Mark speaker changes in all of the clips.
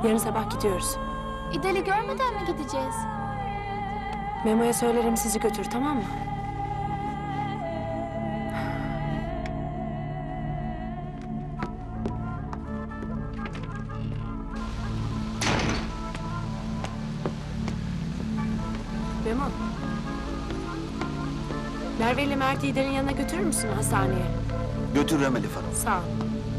Speaker 1: Yarın sabah gidiyoruz.
Speaker 2: İdal'i görmeden mi gideceğiz?
Speaker 1: Memo'ya söylerim sizi götür, tamam mı? Memo. Merve ile Mert'i İdal'in yanına götürür müsün hastaneye?
Speaker 3: Götürürüm Elif Hanım.
Speaker 1: Sağ ol.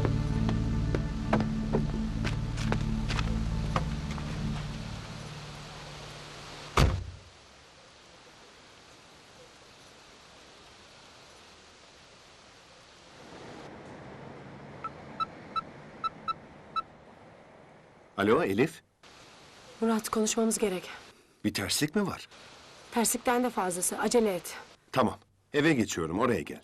Speaker 4: Alo Elif,
Speaker 1: Murat, konuşmamız gerek.
Speaker 4: bir terslik mi var?
Speaker 1: Terslikten de fazlası. Acele et.
Speaker 4: Tamam, eve geçiyorum, oraya gel.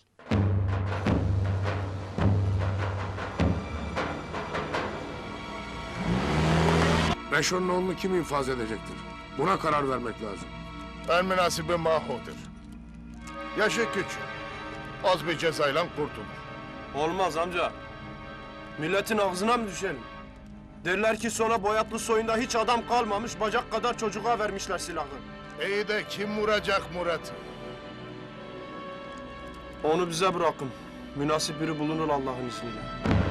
Speaker 5: Reşo'nun oğlunu kim infaz edecektir? Buna karar vermek lazım.
Speaker 6: En münasibi Maho'dur. Yaşı küçük. Az bir cezayla kurtulur.
Speaker 7: Olmaz amca. Milletin ağzına mı düşelim? Derler ki sonra Boyatlı soyunda hiç adam kalmamış, bacak kadar çocuğa vermişler silahı.
Speaker 6: İyi de kim vuracak Murat'ı?
Speaker 7: Onu bize bırakın. Münasip biri bulunur Allah'ın izniyle.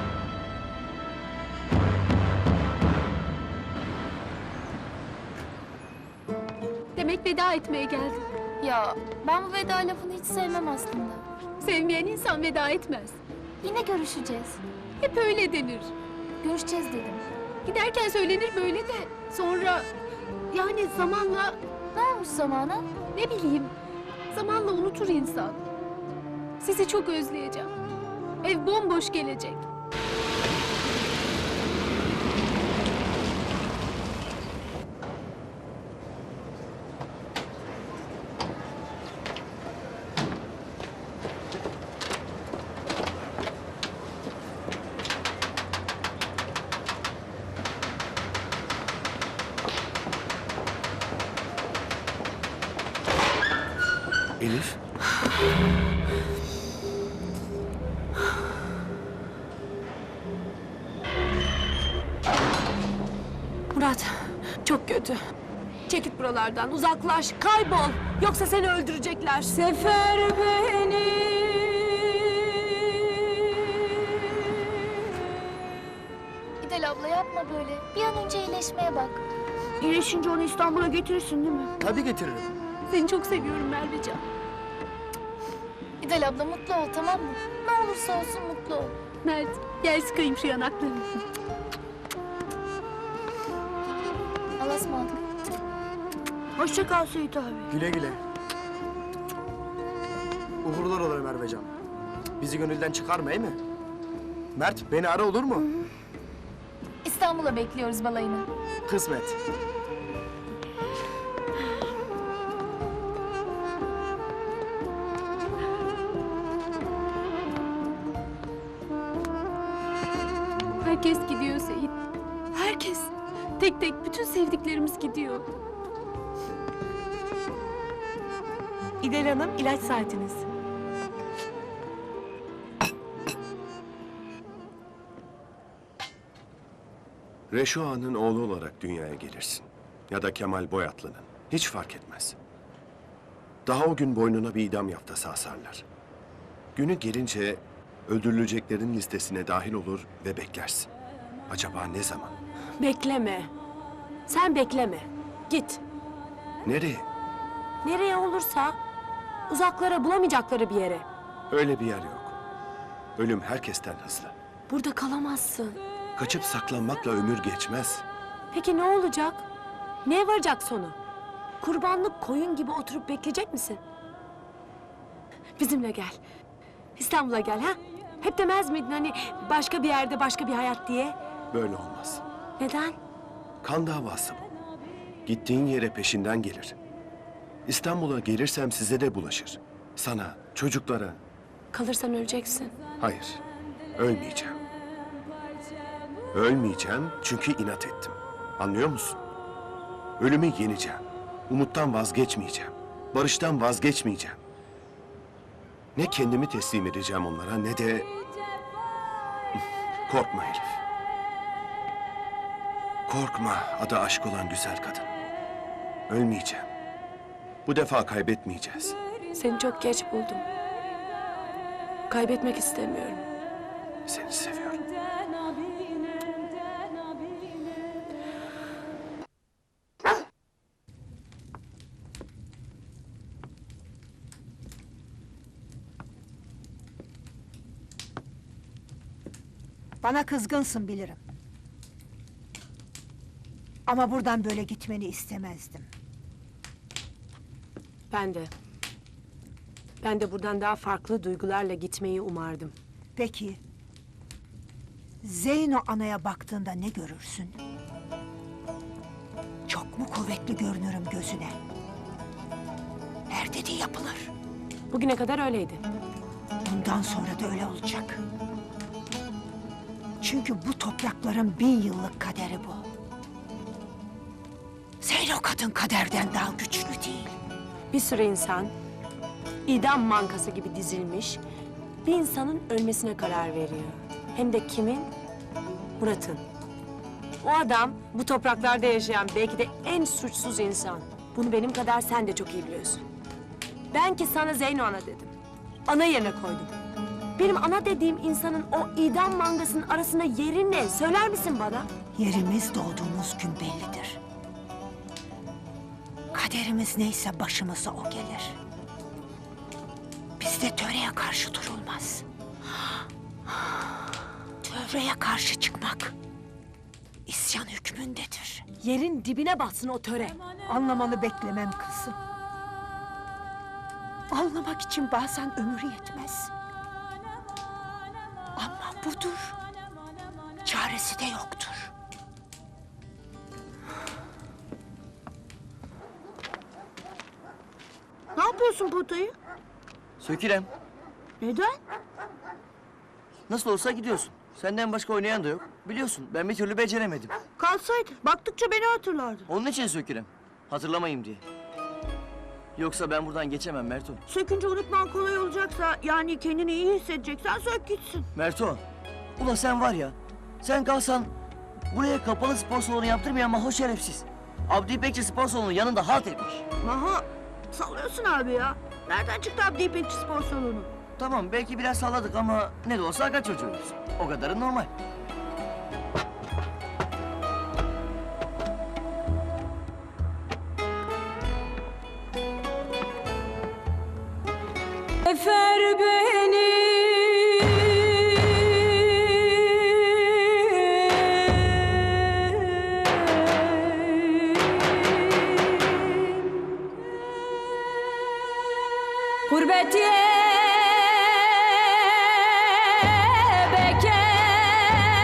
Speaker 8: Demek veda etmeye geldin.
Speaker 2: Ya ben bu veda lafını hiç sevmem aslında.
Speaker 8: Sevmeyen insan veda etmez.
Speaker 2: Yine görüşeceğiz.
Speaker 8: Hep öyle denir.
Speaker 2: Görüşeceğiz dedim.
Speaker 8: Giderken söylenir böyle de sonra... Yani zamanla
Speaker 2: Ne olmuş zamana?
Speaker 8: ne bileyim... Zamanla unutur insan. Sizi çok özleyeceğim. Ev bomboş gelecek.
Speaker 4: Elif,
Speaker 1: Murat, çok kötü. Çekil buralardan, uzaklaş, kaybol. Yoksa seni öldürecekler. Sefer beni.
Speaker 2: İdal abla yapma böyle. Bir an önce iyileşmeye bak.
Speaker 8: İyileşince onu İstanbul'a götürürsün değil mi?
Speaker 3: Tabii getiririm.
Speaker 8: Seni çok seviyorum Mervecan.
Speaker 2: İdal abla mutlu ol, tamam mı? Ne olursa olsun mutlu ol.
Speaker 8: Mert, gel sıkayım şu yanaklarını.
Speaker 2: Allah'a ısmarladık.
Speaker 8: Hoşça kal Seyit abi.
Speaker 3: Güle güle. Uğurlar olur Mervecan. Bizi gönülden çıkarma, iyi mi? Mert, beni ara olur mu?
Speaker 2: İstanbul'a bekliyoruz balayını.
Speaker 3: Kısmet.
Speaker 8: Herkes gidiyor Seyit. Herkes. Tek tek bütün sevdiklerimiz gidiyor.
Speaker 1: İdel Hanım, ilaç saatiniz.
Speaker 4: Reşo Ağa'nın oğlu olarak dünyaya gelirsin. Ya da Kemal Boyatlı'nın, hiç fark etmez. Daha o gün boynuna bir idam yaftası asarlar. Günü gelince öldürüleceklerin listesine dahil olur ve beklersin. Acaba ne zaman?
Speaker 1: Bekleme. Sen bekleme. Git.
Speaker 4: Nereye?
Speaker 1: Nereye olursa uzaklara, bulamayacakları bir yere.
Speaker 4: Öyle bir yer yok. Ölüm herkesten hızlı.
Speaker 1: Burada kalamazsın.
Speaker 4: Kaçıp saklanmakla ömür geçmez.
Speaker 1: Peki ne olacak? Neye varacak sonu? Kurbanlık koyun gibi oturup bekleyecek misin? Bizimle gel. İstanbul'a gel ha? Hep demez miydin hani başka bir yerde başka bir hayat diye?
Speaker 4: Böyle olmaz.
Speaker 1: Neden?
Speaker 4: Kan davası bu. Gittiğin yere peşinden gelir. İstanbul'a gelirsem size de bulaşır. Sana, çocuklara.
Speaker 1: Kalırsan öleceksin.
Speaker 4: Hayır, ölmeyeceğim. Ölmeyeceğim çünkü inat ettim. Anlıyor musun? Ölümü yeneceğim. Umuttan vazgeçmeyeceğim. Barıştan vazgeçmeyeceğim. Ne kendimi teslim edeceğim onlara ne de... Korkma Elif. Korkma, adı aşk olan güzel kadın. Ölmeyeceğim. Bu defa kaybetmeyeceğiz.
Speaker 1: Seni çok geç buldum. Kaybetmek istemiyorum.
Speaker 4: Seni seviyorum.
Speaker 9: Bana kızgınsın bilirim. Ama buradan böyle gitmeni istemezdim.
Speaker 1: Ben de. Ben de buradan daha farklı duygularla gitmeyi umardım.
Speaker 9: Peki, Zeyno anaya baktığında ne görürsün? Çok mu kuvvetli görünürüm gözüne? Her dediği yapılır.
Speaker 1: Bugüne kadar öyleydi.
Speaker 9: Bundan sonra da öyle olacak. Çünkü bu toprakların 1000 yıllık kaderi bu. Zeyno kadın kaderden daha güçlü değil.
Speaker 1: Bir sürü insan idam mankası gibi dizilmiş, bir insanın ölmesine karar veriyor. Hem de kimin? Murat'ın. O adam bu topraklarda yaşayan belki de en suçsuz insan. Bunu benim kadar sen de çok iyi biliyorsun. Ben ki sana Zeyno ana dedim. Ana yerine koydum. Benim ana dediğim insanın o idam mangasının arasında yeri ne? Söyler misin bana?
Speaker 9: Yerimiz doğduğumuz gün bellidir. Kaderimiz neyse başımıza o gelir. Bizde töreye karşı durulmaz. Töreye karşı çıkmak isyan hükmündedir.
Speaker 1: Yerin dibine batsın o töre.
Speaker 9: Anlamanı beklemem kızım. Anlamak için bazen ömür yetmez. Ama budur. Çaresi de yoktur.
Speaker 1: Ne yapıyorsun potayı?
Speaker 3: Sökürem.
Speaker 1: Neden?
Speaker 3: Nasıl olsa gidiyorsun. Senden başka oynayan da yok. Biliyorsun ben bir türlü beceremedim.
Speaker 1: Kalsaydı. Baktıkça beni hatırlardın.
Speaker 3: Onun için sökürem. Hatırlamayayım diye. Yoksa ben buradan geçemem Merto.
Speaker 1: Sökünce unutman kolay olacaksa, yani kendini iyi hissedeceksen sök gitsin.
Speaker 3: Merto. Ula sen var ya. Sen kalsan buraya kapalı spor salonu yaptırmayan maho şerefsiz. Abdi İpekçi spor salonu yanında halt etmiş.
Speaker 1: Maho, sallıyorsun abi ya. Nereden çıktı Abdi İpekçi spor salonu?
Speaker 3: Tamam belki biraz salladık ama ne de olsa aga çocuğuyuz. O kadarı normal.
Speaker 1: Efer beni. Gurbet